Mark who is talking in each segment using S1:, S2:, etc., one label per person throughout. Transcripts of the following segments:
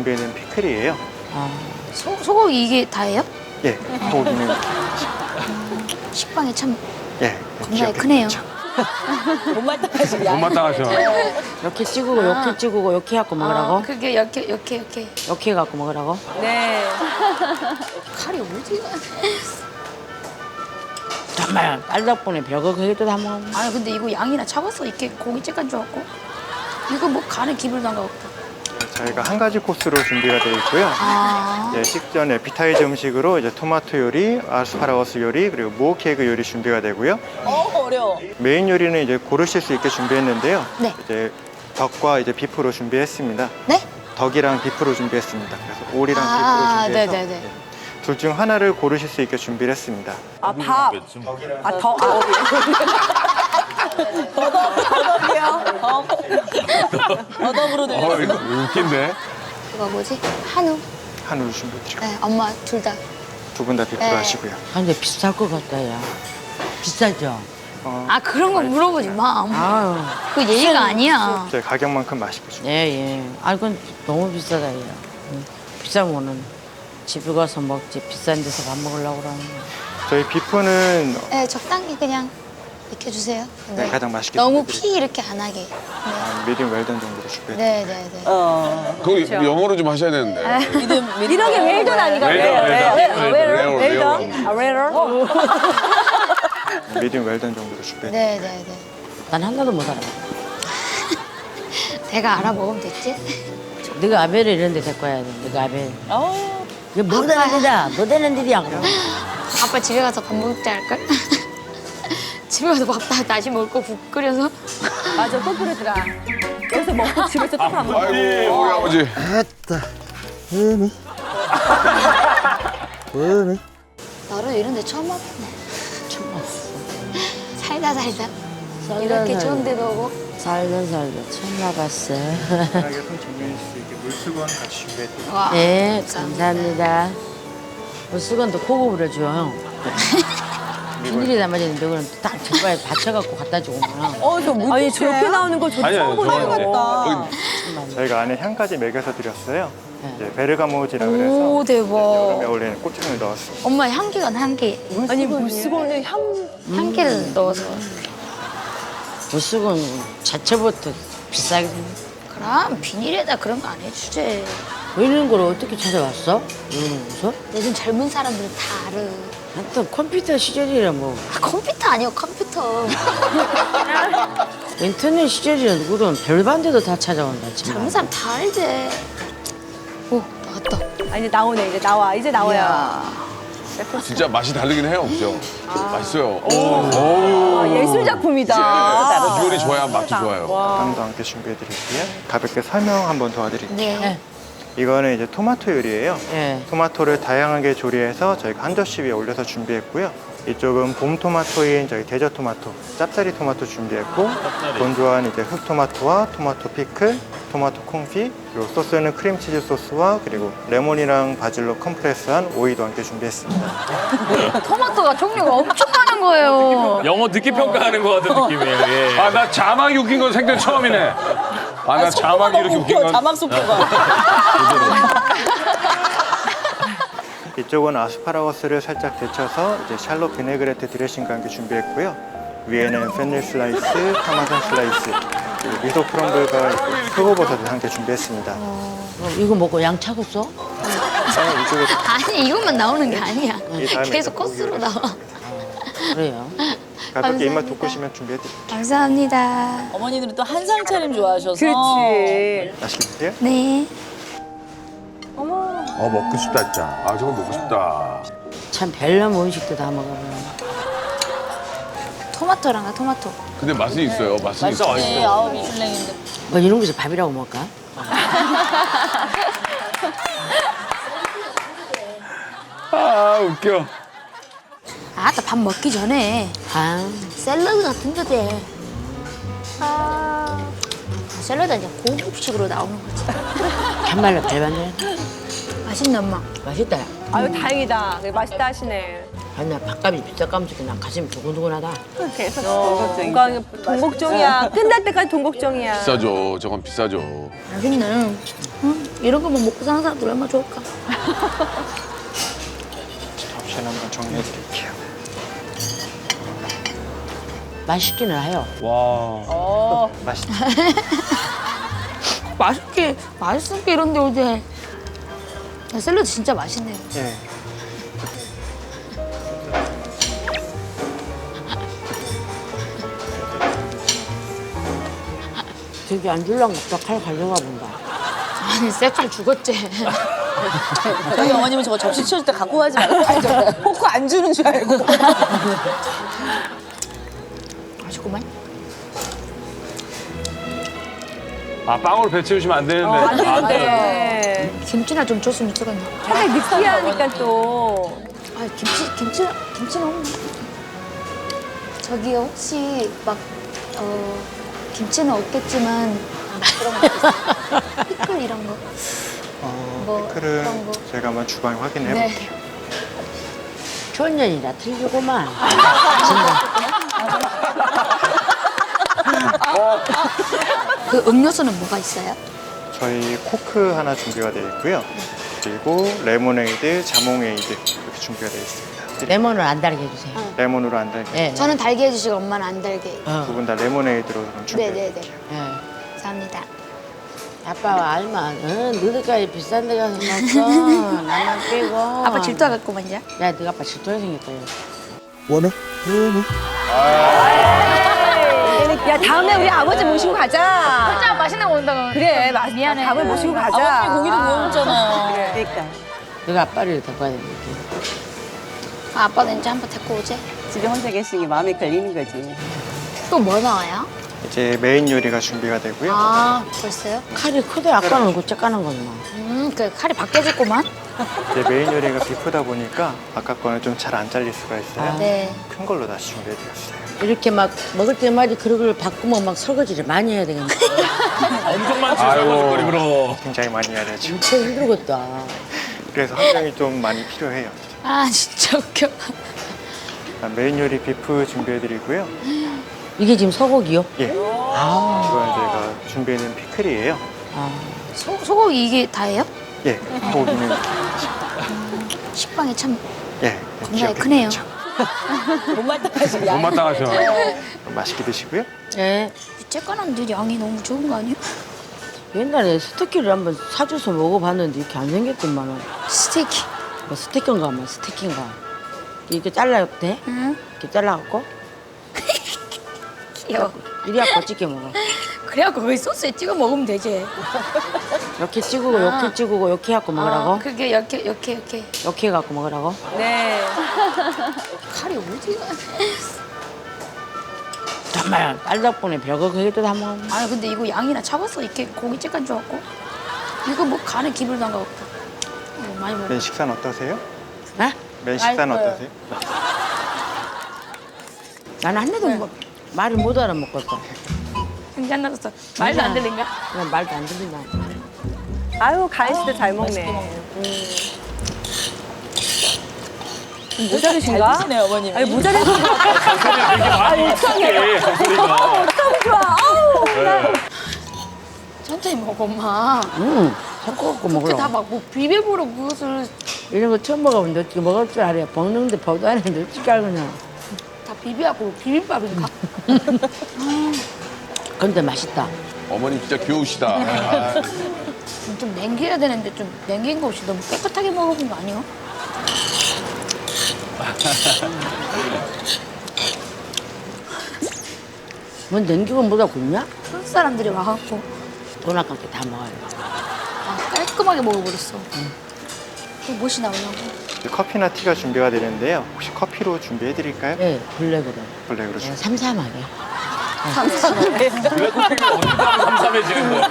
S1: 준비된 피클이에요.
S2: 소고기 이게 다예요?
S1: 예, 소고기는
S2: 식빵이 참
S1: 예,
S2: 겁나게 크네요.
S3: 못 마땅하셔.
S4: 이렇게 찍고 이렇게 찍고 이렇게 해갖고 먹으라고?
S2: 그게 이렇게.
S4: 이렇게 해갖고 먹으라고?
S5: 네.
S2: 칼이 어디가?
S4: 정말 딸 덕분에 별거 그게도 다 먹어.
S2: 아니 근데 이거 양이나 작았어. 이렇게 고기 찌간 줄 알고. 이거 뭐 간에 기분도 안 가고.
S1: 저희가 한 가지 코스로 준비가 되어 있고요. 예, 식전 에피타이저 음식으로 이제 토마토 요리, 아스파라거스 요리, 그리고 무호 케이크 요리 준비가 되고요.
S5: 어려워.
S1: 메인 요리는 이제 고르실 수 있게 준비했는데요.
S2: 네.
S1: 이제 덕과 이제 비프로 준비했습니다.
S2: 네?
S1: 덕이랑 비프로 준비했습니다. 그래서 오리랑
S2: 아,
S1: 비프로 준비해서
S2: 네네네.
S1: 둘 중 하나를 고르실 수 있게 준비를 했습니다.
S5: 밥. 더덕이요. 더덕으로 들려.
S3: 이거 웃긴데?
S2: 그거 뭐지? 한우.
S1: 한우를 준비해드리고
S2: 네, 엄마 둘 다.
S1: 두 분 다 비프로
S2: 네.
S1: 하시고요.
S4: 근데 비쌀 것 같다, 야. 비싸죠?
S2: 아 그런 거 물어보지 마.
S4: 아유.
S2: 그 예의가 아니야.
S1: 저희 가격만큼 맛있게 준비.
S4: 예. 아, 이건 너무 비싸다, 야. 비싼 거는 집에 가서 먹지. 비싼 데서 밥 먹으려고 그러는 거.
S1: 저희 비프는
S2: 네, 적당히 그냥 익혀주세요.
S1: 네, 가장 맛있게
S2: 너무
S1: 준비해드릴게요.
S2: 피 이렇게 안 하게.
S1: 미디움 웰던 정도로 준비해드릴게요.
S2: 네네네.
S3: 그거 영어로 좀 하셔야 되는데.
S5: 이런 게 웰던 아니가? 웰던.
S1: 미디움 웰던 정도로 준비해드릴게요.
S2: 네네네.
S4: 난 하나도 못 알아.
S2: 내가 알아먹으면 됐지?
S4: 네가 아벨을 이런 데 데리고 와야 돼. 네가 아벨. 이게 뭐 되는 데다. 뭐 되는 데야. 그럼.
S2: 아빠 집에 가서 밥 먹자 할걸? 집에 가서 밥 다시 먹을 거 국 끓여서.
S5: 맞아, 또 그러더라. 여기서 먹고 집에서 또 밥 먹고.
S3: 아이고, 우리 아버지.
S2: 나를 이런 데 처음 와봤네.
S4: 처음 왔어.
S2: 살다. 이렇게 좋은 데도 오고.
S4: 살다 처음 와봤어.
S1: 편하게 손 정리할 수 있게 물수건 같이 준비해드릴게요.
S2: 와.
S4: 네, 감사합니다. 물수건도 고급으로 줘, 형. 비닐에 담아지는데 그럼 딱 젓가락에 받쳐갖고 갖다 주구나.
S5: 아니, 저렇게 나오는 거 저도 처음 보는 것 같다.
S1: 저희가 안에 향까지 먹여서 드렸어요.
S4: 네.
S1: 이제 베르가모지라 그래서
S2: 오 대박.
S1: 여름에 어울리는 꽃향을 넣었어요.
S2: 엄마 향기가 향기.
S5: 아니, 물수건에
S2: 향기를 넣어서.
S4: 물수건 자체부터 비싸게 생겼
S2: 그럼 비닐에다 그런 거 안 해주지.
S4: 이런 걸 어떻게 찾아왔어? 이런 곳을?
S2: 요즘 젊은 사람들은 다 알아.
S4: 하여튼 컴퓨터 시절이라 뭐
S2: 아, 컴퓨터 아니요 컴퓨터.
S4: 인터넷 시절이라 누구든 별반대도 다 찾아온다
S2: 젊은
S4: 정말.
S2: 사람 다 알지. 오 나왔다.
S5: 아, 이제 나오네, 이제 나와. 이제 나와요.
S2: 이야.
S3: 진짜 맛이 다르긴 해요, 그죠? 맛있어요.
S5: 아, 예술 작품이다.
S3: 비율이 좋아야 맛도 좋아요.
S1: 빵도 함께 준비해드릴게요. 가볍게 설명 한번 도와드릴게요.
S2: 네.
S1: 이거는 이제 토마토 요리예요.
S4: 예.
S1: 토마토를 다양하게 조리해서 저희가 한 접시 위에 올려서 준비했고요. 이쪽은 봄 토마토인 저희 대저 토마토, 짭짜리 토마토 준비했고, 건조한 이제 흑 토마토와 토마토 피클, 토마토 콩피, 그리고 소스는 크림치즈 소스와 그리고 레몬이랑 바질로 컴프레스한 오이도 함께 준비했습니다.
S2: 토마토가 종류가 엄청 많은 거예요.
S6: 영어 듣기 평가하는 것 같은 느낌이에요. 예.
S3: 아, 나 자막이 웃긴 건 생전 처음이네. 아, 나 자막이 이렇게 웃긴 건.
S5: 자막 속도가.
S1: 이쪽은 아스파라거스를 살짝 데쳐서 이제 샬롯 비네그레트 드레싱과 함께 준비했고요. 위에는 펜닐 슬라이스, 파마산 슬라이스, 그리고 미소 크럼블과 표고버섯을 함께 준비했습니다.
S4: 이거 먹고 양 차겠어?
S1: 이쪽에
S2: 아니 이것만 나오는 게 아니야.
S1: 이 다음에
S2: 계속
S1: 이제
S2: 코스로
S1: 고기를
S2: 나와.
S4: 그래요.
S1: 가볍게 입맛
S2: 감사합니다.
S1: 돋구시면 준비해드릴게요.
S2: 감사합니다.
S5: 어머니들은 또 한상 차림 좋아하셔서. 그렇지.
S1: 맛있게 드세요.
S2: 네.
S3: 먹고 싶다, 진짜. 아, 저거 먹고 싶다.
S4: 참 별난 음식도 다 먹어보네.
S2: 토마토랑 토마토.
S3: 근데 맛은 있어요, 맛은 있어.
S5: 네, 아우, 미슐랭인데.
S4: 뭐 이런 곳에 밥이라고 먹을까?
S3: 아, 웃겨.
S2: 아따 밥 먹기 전에
S4: 아,
S2: 샐러드 같은 거 돼. 샐러드 이제 고급식으로 나오는 거지.
S4: 참말로 별반대.
S2: 맛있네 엄마.
S4: 맛있다.
S5: 아유, 다행이다. 맛있다 하시네.
S4: 아니 나 밥값이 비싸감지고 난 가슴이 두근두근하다.
S5: 계속 동걱정이. 동걱정이야. 끝날 때까지 동걱정이야.
S3: 비싸죠. 저건 비싸죠.
S2: 맛있네. 응? 이런 거만 먹고 사는 사람들 얼마나 좋을까.
S1: 옵션 한번 정리해 드릴게요.
S4: 맛있기는 해요.
S6: 와.
S1: 맛있죠?
S2: 맛있게 이런데 어제. 샐러드 진짜 맛있네요.
S1: 예.
S4: 되게 안 줄랑 먹다 칼 가져가 본다.
S2: 아니 쎄칼 죽었지.
S5: 저희 어머님은 저거 접시 치워줄 때 갖고 가지 말고 알죠? 포크 안 주는 줄 알고.
S2: 맛있구만.
S3: 아, 빵으로 배 채우시면 안 되는데. 아,
S5: 네.
S2: 김치나 좀 줬으면 좋겠네.
S5: 살짝 느끼하니까 또.
S2: 아 김치는 없나? 저기 혹시 막 김치는 없겠지만 그런 거 있어요? 피클 이런 거. 뭐
S1: 피클은
S2: 그런 거.
S1: 제가 한번 주방에 확인해
S2: 네.
S1: 볼게요.
S4: 초년이라 틀리구만.
S2: 그 음료수는 뭐가 있어요?
S1: 저희 코크 하나 준비가 되어 있고요. 그리고 레모네이드, 자몽에이드 이렇게 준비가 되어 있습니다.
S4: 레몬을 안 달게 해주세요.
S1: 레몬으로 안 달게.
S4: 네.
S2: 저는 달게 해주시고 엄마는 안 달게.
S1: 두 분 다 레모네이드로 그럼 준비해
S2: 네네네.
S1: 드릴게요.
S4: 네.
S2: 감사합니다.
S4: 아빠와 알만, 너희들까지 비싼 데 가서 먹어. 나만 빼고.
S2: 아빠 질투하겠구만요.
S4: 야, 너가 아빠 질투하게 생겼다.
S5: 야, 다음에 우리 아버지 모시고 가자.
S2: 진짜 맛있는 거 온다고.
S5: 그래,
S2: 미안해.
S5: 밥을 모시고 가자.
S7: 아버님이 고기도 구워먹잖아요.
S5: 그러니까.
S4: 너가 아빠를 데리고 와야 되니까.
S2: 아빠는 이제 한번 데리고 오지.
S7: 집에 혼자 계시는 게 마음에 걸리는 거지.
S2: 또 뭐 나와요?
S1: 이제 메인 요리가 준비가 되고요.
S2: 아 벌써요?
S4: 칼이 크대 아까는 얼굴 쬐까는 거지 뭐.
S2: 그 칼이 바뀌어졌구만.
S1: 이제 메인 요리가 비프다 보니까 아까 거는 좀 잘 안 잘릴 수가 있어요.
S2: 네.
S1: 큰 걸로 다시 준비해 드렸어요.
S4: 이렇게 막 먹을 때마다 그릇을 바꾸면 막 설거지를 많이 해야 되겠네.
S6: 엄청 많지, 설거지거리 그럼.
S1: 굉장히 많이 해야 되죠.
S4: 진짜 힘들겠다.
S1: 그래서 환경이 좀 많이 필요해요.
S2: 아 진짜 웃겨.
S1: 메인 요리 비프 준비해 드리고요.
S4: 이게 지금 소고기요?
S1: 예. 이건 저희가 준비해낸 피클이에요.
S4: 아,
S2: 소고기 이게 다예요?
S1: 예. 고기는
S2: 식빵이 참
S1: 예.
S2: 겁나게
S1: 귀엽게
S2: 크네요.
S1: 생겼죠.
S3: 못 마땅하셔.
S1: 맛있게 드시고요.
S4: 예.
S2: 쬐깐한데 양이 너무 적은 거 아니에요?
S4: 옛날에 스테이크를 한번 사줘서 먹어봤는데 이렇게 안 생겼더만은.
S2: 스테이크.
S4: 뭐 스테이크인가 뭐 스테이크인가. 이렇게 잘라도 돼?
S2: 응.
S4: 이렇게 잘라갖고
S2: 귀여워.
S4: 이리 갖고 찍게 먹어.
S2: 그래갖고 거기 소스에 찍어 먹으면 되지.
S4: 이렇게 찍고 이렇게 찍고 이렇게 해갖고 먹으라고?
S2: 그게 이렇게.
S4: 이렇게 해갖고 먹으라고?
S5: 네.
S2: 칼이 어디가?
S4: 정말 딸 덕분에 별거 그게도 다 먹어.
S2: 아니 근데 이거 양이나 잡았어. 이렇게 고기 쬐깐 줘갖고. 이거 뭐 간에 기불도 안 가고. 많이 먹어.
S1: 맨 식사는 어떠세요?
S4: 어?
S1: 맨 식사는 어떠세요?
S4: 나는 한 대도 뭐 말을 못 알아먹겠어.
S2: 생각 났어. 말도 안 들린가?
S4: 그냥 말도 안 들린다.
S5: 아유, 가인 씨도 잘 먹네. 모자르신가?
S7: 드시네, 어머님.
S5: 아니, 모자르신 거
S6: 되게 많이 익숙해, 목소리가.
S5: 너무 좋아. 아우.
S2: 천천히 먹어 엄마.
S4: 섞어갖고
S2: 그렇게 다
S4: 먹으라고.
S2: 막 뭐 비벼보러 그것을
S4: 이런 거 처음 먹어보면 너 어떻게 먹을 줄 알아요. 먹는데 보도 안 했는데 어떻게 알겠냐.
S2: 다 비벼갖고 비빔밥인가?
S4: 근데 맛있다.
S3: 어머님 진짜 귀여우시다. 아,
S2: 좀 냉겨야 되는데 좀 냉긴 거 없이 너무 깨끗하게 먹어본 거 아니야?
S4: 뭐 냉기고 뭐다 굽냐?
S2: 한국 사람들이 와갖고
S4: 돈 아깝게 다 먹어요.
S2: 깔끔하게 먹어버렸어. 그 무엇이 나오려고?
S1: 커피나 티가 준비가 되는데요. 혹시 커피로 준비해 드릴까요?
S4: 네, 블랙으로.
S1: 블랙으로
S4: 네,
S1: 준비.
S4: 삼삼하게.
S6: 블랙커피가 언제부터 삼삼해지는 거야?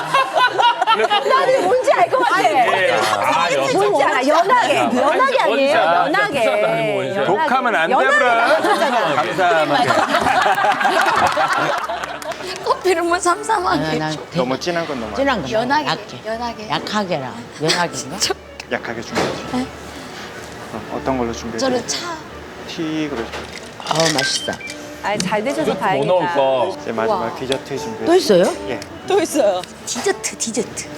S5: 나는 뭔지 알 것 같아.
S6: 아, 여섯.
S5: 뭔지 알아. 연하게. 연하게 아니에요? 연하게.
S3: 독하면 안
S5: 연하게
S3: 되브라.
S5: 나왔잖아.
S3: 감사합니다.
S2: 커피를 뭐 삼삼하게.
S4: 난
S1: 너무 진한 건 너무
S4: 진한 거.
S2: 연하게.
S4: 약해.
S2: 연하게.
S4: 약하게라. 연하게인가?
S1: 약하게 준비해 주세요. 어떤 걸로 준비해
S2: 저는
S1: 드릴까요? 튀기로.
S4: 맛있어.
S7: 아, 잘 되셔서
S6: 뭐
S7: 다행이다.
S6: 넣을까?
S1: 이제 마지막 디저트 준비했어요.
S4: 또 있어요?
S1: 예.
S5: 또 있어요.
S2: 디저트.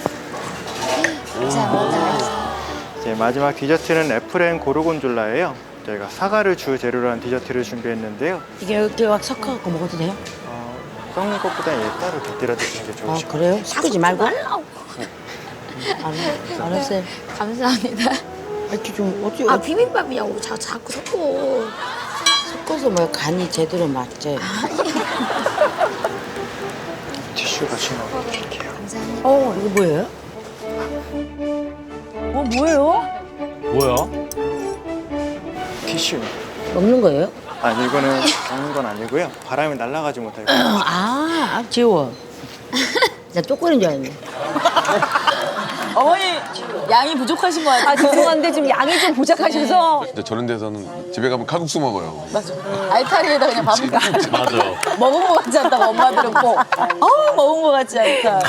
S2: 감사합니다.
S1: 이제 마지막 디저트는 애플 앤 고르곤졸라예요. 저희가 사과를 주 재료로 한 디저트를 준비했는데요.
S4: 이게 이렇게 막 섞어갖고 먹어도 돼요?
S1: 썩는 것보다 얘 따로 곁들여 드시는 게 좋으실 것
S4: 그래요? 섞지 말고?
S2: 말라고.
S4: 알았어요.
S2: 감사합니다.
S4: 이렇게 좀 어떻게
S2: 비빔밥이냐고 자꾸 섞어.
S4: 섞어서 뭐 간이 제대로 맞지?
S1: 티슈 같이 넣어드릴게요.
S2: 감사합니다.
S4: 이거 뭐예요?
S5: 뭐예요?
S6: 뭐야?
S1: 티슈.
S4: 먹는 거예요?
S1: 아니 이거는 먹는 건 아니고요. 바람이 날아가지 못하게.
S4: 지워. 나 쪼꼬리인 줄 알았네.
S5: 어머니 양이 부족하신 것 같아요.
S7: 아, 죄송한데 좀 양이 좀 부족하셔서.
S8: 근데 저런 데서는 집에 가면 칼국수 먹어요.
S5: 맞아. 알타리에다 그냥 밥을
S6: 맞아.
S5: 먹은 것 같지 않다. 엄마들은 꼭. 먹은 것 같지 않다.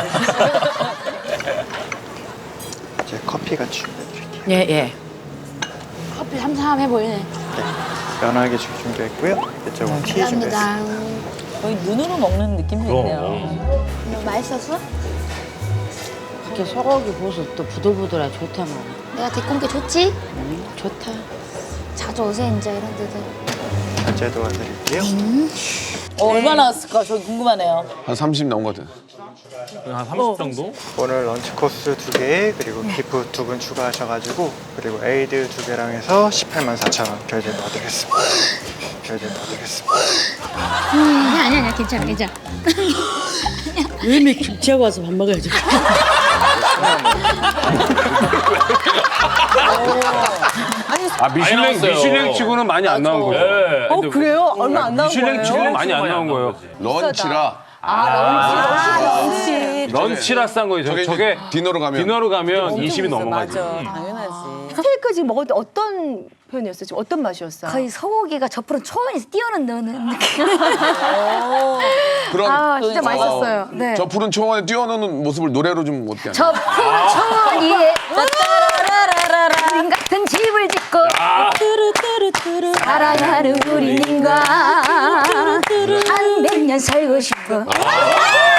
S1: 이제 커피 같이 준비해드릴게요.
S4: 예.
S2: 커피 삼삼해 보이네.
S1: 네. 연하게 준비했고요. 이쪽은 티 준비했어요.
S2: 감사합니다.
S5: 거의 눈으로 먹는 느낌이 있네요.
S2: 너 맛있었어?
S4: 이렇게 소고기 구워서 또 부들부들하고 좋다 말이야.
S2: 내가 데리고 온 게 좋지?
S4: 좋다.
S2: 자주 오세요 이제 이런 데들.
S1: 결제 도와드릴게요.
S5: 얼마나 왔을까? 저 궁금하네요.
S8: 한 30 나온 것 같아요.
S6: 한 30 정도?
S1: 오늘 런치 코스 2개 그리고 기프 2분 추가하셔가지고 그리고 에이드 2개랑 해서 184,000원 결제 도와드리겠습니다. 결제 도와드리겠습니다.
S2: 아니야 괜찮아.
S4: 왜미 김치하고 와서 밥 먹어야지.
S3: 미슐랭 치고는 많이 안 나온 거예요.
S6: 네.
S7: 그래요? 얼마 안 나온
S3: 미슐랭
S7: 거예요?
S3: 치고는 많이 안 나온 거예요.
S8: 런치라
S7: 런치.
S3: 런치라 싼 거예요. 저게
S8: 디너로 가면
S3: 디너로 가면 20이 넘어가지.
S5: 당연하지.
S7: 스테이크 지금 먹을 때 어떤 표현이었어요? 지금 어떤 맛이었어요?
S2: 거의 소고기가 저프로 초원에서 뛰어넘는 느낌.
S8: 그럼
S2: 진짜 맛있었어요. 네.
S8: 저 푸른 초원에 뛰어노는 모습을 노래로 좀 어떻게 하나요?
S2: 저 푸른 초원 위에 우린 같은 집을 짓고 사랑하는 우리 님과 한 100년 살고 싶어.